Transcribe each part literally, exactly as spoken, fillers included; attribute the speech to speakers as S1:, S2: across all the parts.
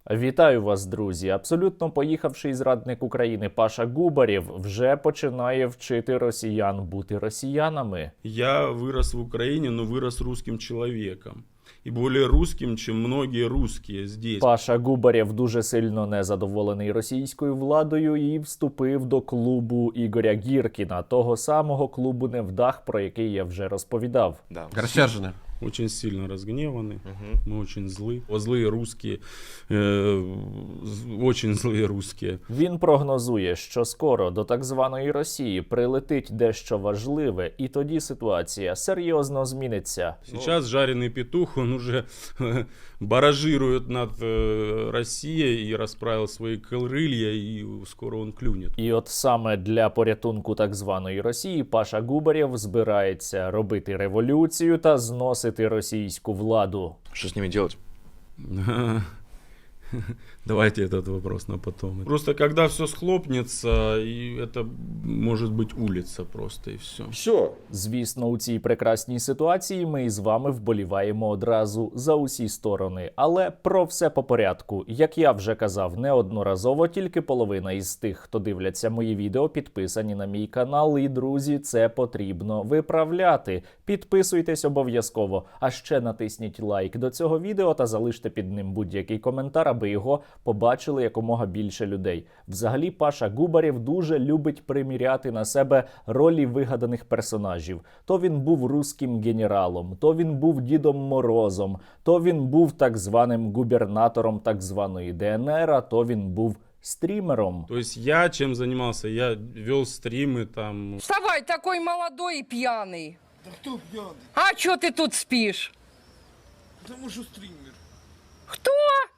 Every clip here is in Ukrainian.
S1: Вітаю вас, друзі! Абсолютно поїхавший зрадник України Паша Губарєв вже починає вчити росіян бути росіянами.
S2: Я вырос в Украине, но вырос русским человеком. И более русским, чем многие русские здесь.
S1: Паша Губарєв дуже сильно незадоволений російською владою і вступив до клубу Ігоря Гіркіна, того самого клубу невдах, про який я вже розповідав.
S3: Да.
S4: Рассержены.
S2: Очень сильно разгневаны,
S3: Мгм.
S2: мы очень злы. Злые русские, э, з- очень злые русские.
S1: Він прогнозує, що скоро до так званої Росії прилетить дещо важливе, і тоді ситуація серйозно зміниться.
S2: Сейчас жареный петух, он уже баражирует над э, Россией и расправил свои крылья, и скоро он клюнет.
S1: І от саме для порятунку так званої Росії Паша Губарєв збирається робити революцію та зносити російську владу.
S3: Что с ними делать?
S2: Давайте этот вопрос на потом. Просто когда все схлопнется, и это может быть улица просто, и все.
S4: Все.
S1: Звісно, у цій прекрасній ситуації ми із вами вболіваємо одразу за усі сторони. Але про все по порядку. Як я вже казав неодноразово, тільки половина із тих, хто дивляться мої відео, підписані на мій канал. І, друзі, це потрібно виправляти. Підписуйтесь обов'язково. А ще натисніть лайк до цього відео та залиште під ним будь-який коментар, аби його побачили якомога більше людей. Взагалі, Паша Губарєв дуже любить приміряти на себе ролі вигаданих персонажів. То він був руським генералом, то він був Дідом Морозом, то він був так званим губернатором так званої Де Ен Ер, а то він був стрімером.
S2: То есть я чем занимался? Я вел стримы там.
S5: Вставай, такой молодой и пьяный.
S6: Да кто пьяный?
S5: А чё ты тут спишь?
S6: Потому что стример.
S5: Кто?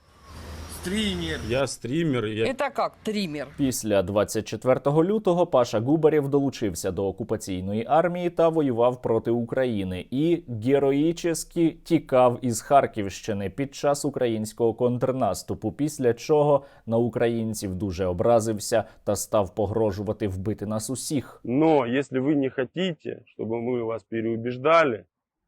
S6: Стример.
S2: Я стример, и я
S5: Это как триммер?
S1: Після двадцять четвертого лютого Паша Губарєв долучився до окупаційної армії та воював проти України і героїчески тікав із Харківщини під час українського контрнаступу, після чого на українців дуже образився та став погрожувати вбити нас усіх.
S7: Но если вы не хотите, чтобы мы вас переубеждали,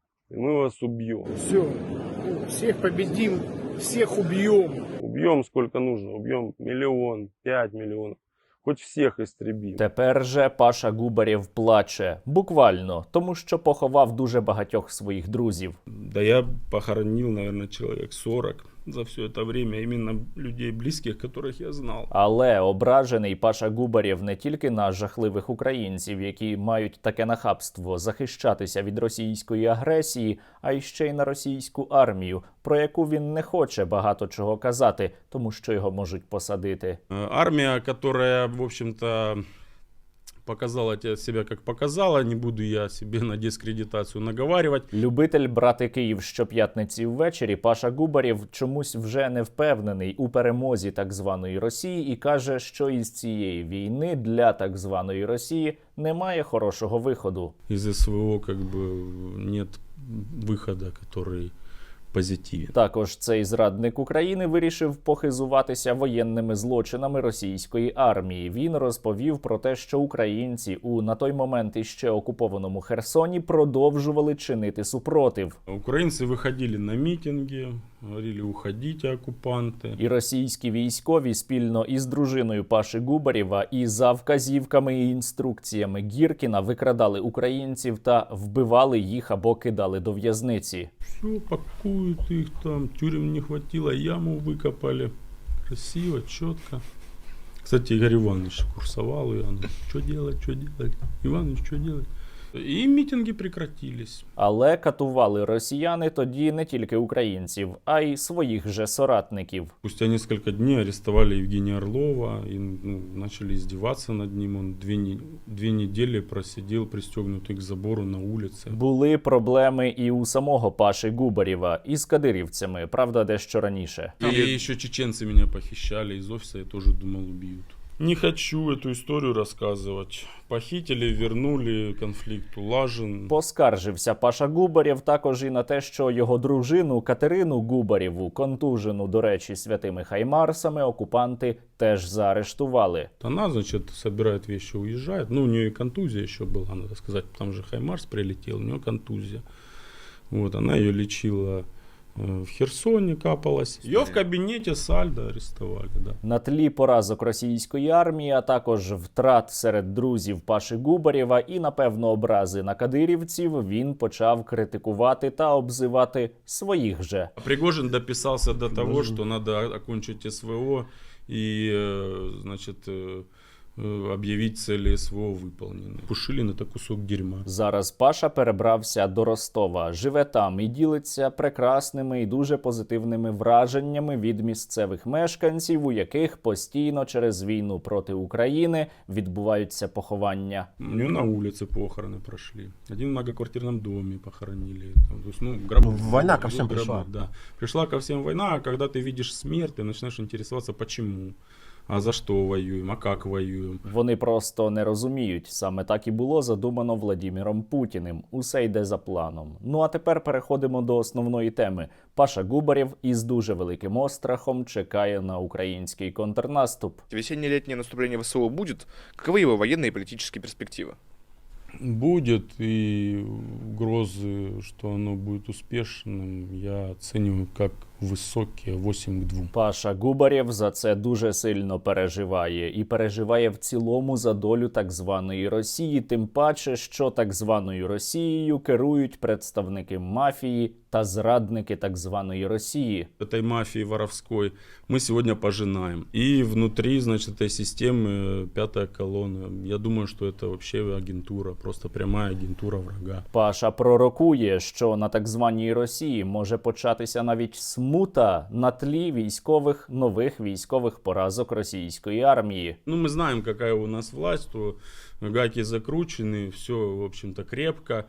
S7: мы вас убьем.
S6: Все. Всех победим, всех убьем.
S7: Убьем сколько нужно, убьем миллион, пять миллионов. Хоть всех истребим.
S1: Тепер же Паша Губарєв плаче, буквально, тому що поховав дуже багатьох своїх друзів.
S2: Да я похоронил, наверное, человек сорок за все это время, именно людей близких, которых я знал.
S1: Але ображений Паша Губарєв не тільки на жахливих українців, які мають таке нахабство захищатися від російської агресії, а й ще й на російську армію, про яку він не хоче багато чого казати, тому що його можуть посадити.
S2: Э, Армия, которая, в общем-то, показала те- себя как показала, не буду я себе на дискредитацию наговаривать.
S1: Любитель брати Київ щоп'ятниці ввечері Паша Губарєв чомусь вже не впевнений у перемозі так званої Росії і каже, що із цієї війни для так званої Росії немає хорошого виходу.
S2: Из СВО как бы нет выхода, который позитивен.
S1: Також цей зрадник України вирішив похизуватися воєнними злочинами російської армії. Він розповів про те, що українці у на той момент іще окупованому Херсоні продовжували чинити супротив.
S2: Украинцы выходили на митинги, говорили «уходите, оккупанты».
S1: І російські військові спільно із дружиною Паші Губарєва і за вказівками і інструкціями Гіркіна викрадали українців та вбивали їх або кидали до в'язниці.
S2: Все, пакуют их там, тюрем не хватило, яму выкопали. Красиво, четко. Кстати, Игорь Иванович курсовал, и он, что делать, что делать? Иванович, что делать? И митинги прекратились.
S1: Але катували росіяни тоді не тільки українців, а й своїх же соратників.
S2: Спустя несколько дней арестовали Евгения Орлова и ну, начали издеваться над ним. Он две, не- две недели просидел пристегнутый к забору на улице.
S1: Були проблеми і у самого Паші Губарєва із кадирівцями, правда, дещо раніше.
S2: И еще чеченцы меня похищали из офиса, я тоже думал, убьют. Не хочу эту историю рассказывать. Похитили, вернули, конфликт улажен.
S1: Поскаржився Паша Губарєв також і на те, що його дружину Катерину Губарєву, контужену, до речі, святими хаймарсами, окупанти теж заарештували.
S2: Она, значит, собирает вещи, уезжает. Ну, у нее и контузия еще была, надо сказать. Там же хаймарс прилетел, у нее контузия. Вот, она ее лечила э, в Херсоне капалось. Ее в кабинете Сальдо арестовали, да.
S1: На тлі поразок російської армії, а також втрат серед друзів Паші Губарєва і, напевно, образи на кадирівців, він почав критикувати та обзивати своїх же.
S2: А Пригожин дописался до того, что надо окончить СВО и, э, значит, э, э, объявить цели СВО выполнены. Пушилин — это кусок дерьма.
S1: Зараз Паша перебрався до Ростова, живе там і ділиться прекрасними і дуже позитивними враженнями від місцевих мешканців, у яких постійно через війну проти України відбуваються поховання.
S2: У нее на улице похороны прошли. Один в многоквартирном доме похоронили. Там, то есть, ну, гроб...
S3: Ну, война ко всем
S2: гроб-
S3: пришла.
S2: Да. Пришла ко всем война, а когда ты видишь смерть, ты начинаешь интересоваться, почему. А за что воюем, а как воюем.
S1: Вони просто не розуміють. Саме так і було задумано Владіміром Путіним. Усе йде за планом. Ну а тепер переходимо до основної теми. Паша Губарєв із дуже великим острахом чекає на український контрнаступ.
S4: Весенне-летнее наступление ВСУ будет? Каковы его военные и политические перспективы?
S2: Будет, и угрозы, что оно будет успешным, я оцениваю как высокие, восемь к двум.
S1: Паша Губарєв за це дуже сильно переживає. І переживає в цілому за долю так званої Росії. Тим паче, що так званою Росією керують представники мафії та зрадники так званої Росії.
S2: Этой мафии воровской мы сегодня пожинаем. И внутри, значит, этой системы пятая колонна. Я думаю, что это вообще агентура, просто прямая агентура врага.
S1: Паша пророкує, що на так званій Росії може початися навіть смута на тлі військових нових військових поразок російської армії.
S2: Ну, мы знаем, какая у нас власть, то гайки закручены, все, в общем-то, крепко.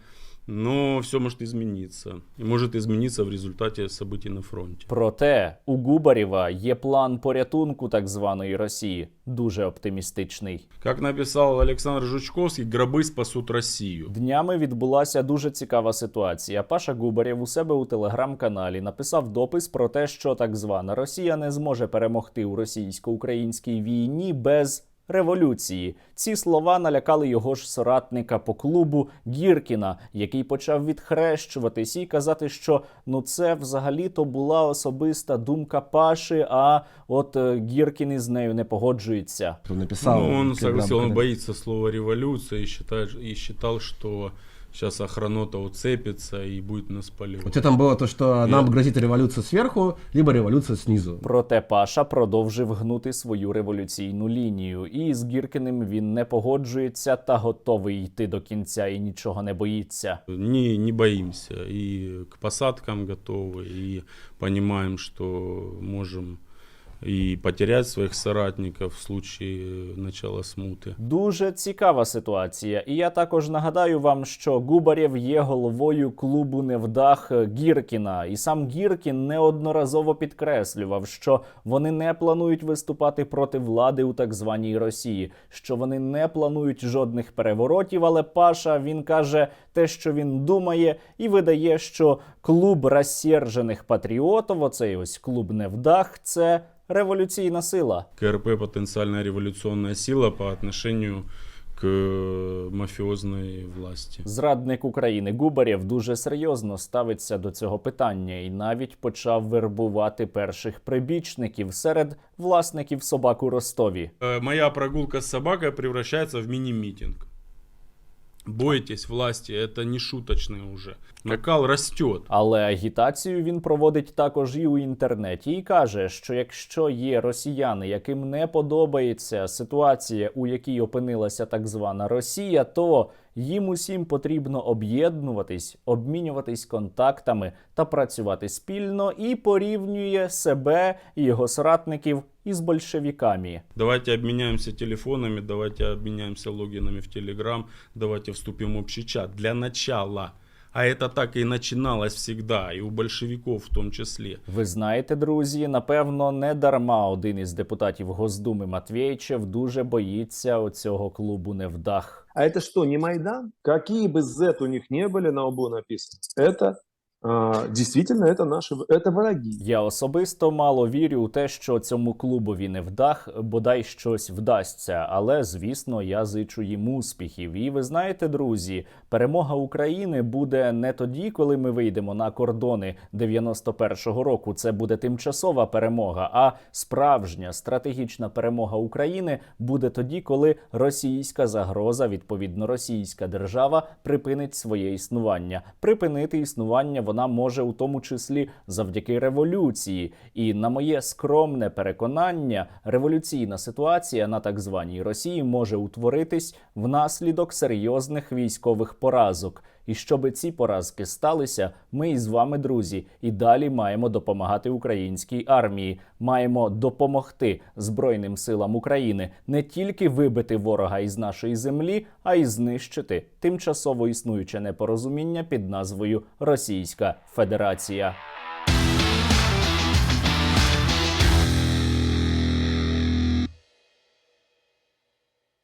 S2: Но все может измениться. И может измениться в результате событий на фронте.
S1: Проте у Губарєва є план порятунку так званої Росії, дуже оптимістичний.
S2: Как написал Александр Жучковский, гробы спасут Россию.
S1: Днями відбулася дуже цікава ситуація. Паша Губарєв у себе у телеграм-каналі написав допис про те, що так звана Росія не зможе перемогти у російсько-українській війні без революції. Ці слова налякали його ж соратника по клубу Гіркіна, який почав відхрещуватись і казати, що ну це взагалі-то була особиста думка Паші, а от е, Гіркін із нею не погоджується.
S3: Он написал.
S2: Ну, он
S3: когда-
S2: согласился, он
S3: когда-
S2: боится слова революция и считает, и считал, что сейчас охранота уцепится и будет нас поливать.
S3: У тебя там было то, что нам грозит революция сверху, либо революция снизу.
S1: Проте Паша продовжив гнути свою революційну лінію. І з Гіркіним він не погоджується та готовий йти до кінця і нічого не боїться.
S2: Не, не боимся, и к посадкам готовы, и понимаем, что можем и потерять своих соратников в случае начала смуты.
S1: Дуже цікава ситуація. І я також нагадаю вам, що Губарєв є головою клубу невдах Гіркіна. І сам Гіркін неодноразово підкреслював, що вони не планують виступати проти влади у так званій Росії, що вони не планують жодних переворотів, але Паша, він каже те, що він думає, і видає, що клуб розсержених патріотів, оцей ось клуб невдах, це революційна сила.
S2: КРП — потенциальная революционная сила по отношению к мафиозной власти.
S1: Зрадник України Губарєв дуже серйозно ставиться до цього питання і навіть почав вербувати перших прибічників серед власників собак у Ростові.
S2: Э, Моя прогулка с собакой превращается в мини-митинг. Бойтесь власти, это не шуточное уже. Накал растет.
S1: Але агітацію він проводить також і у інтернеті і каже, що якщо є росіяни, яким не подобається ситуація, у якій опинилася так звана Росія, то їм усім потрібно об'єднуватись, обмінюватись контактами та працювати спільно, і порівнює себе і його соратників із большевиками.
S2: Давайте обменяемся телефонами, давайте обменяемся логинами в Телеграм, давайте вступим в общий чат. Для начала. А это так и начиналось всегда, и у большевиков в том числе.
S1: Ви знаєте, друзі, напевно, не дарма один із депутатів Госдуми Матвєйчев дуже боїться оцього клубу невдах.
S8: А это что, не Майдан? Какие бы зет у них не были на лбу написаны, это а, действительно это наши, это враги.
S1: Я особисто мало вірю у те, що цьому клубові не вдах, бодай щось вдасться. Але, звісно, я зичу їм успіхів. І ви знаєте, друзі, перемога України буде не тоді, коли ми вийдемо на кордони дев'яносто першого року. Це буде тимчасова перемога. А справжня стратегічна перемога України буде тоді, коли російська загроза, відповідно російська держава, припинить своє існування. Припинити існування вона може у тому числі завдяки революції. І на моє скромне переконання, революційна ситуація на так званій Росії може утворитись внаслідок серйозних військових поразок. І щоби ці поразки сталися, ми із вами, друзі, і далі маємо допомагати українській армії. Маємо допомогти Збройним силам України не тільки вибити ворога із нашої землі, а й знищити тимчасово існуюче непорозуміння під назвою Російська Федерація.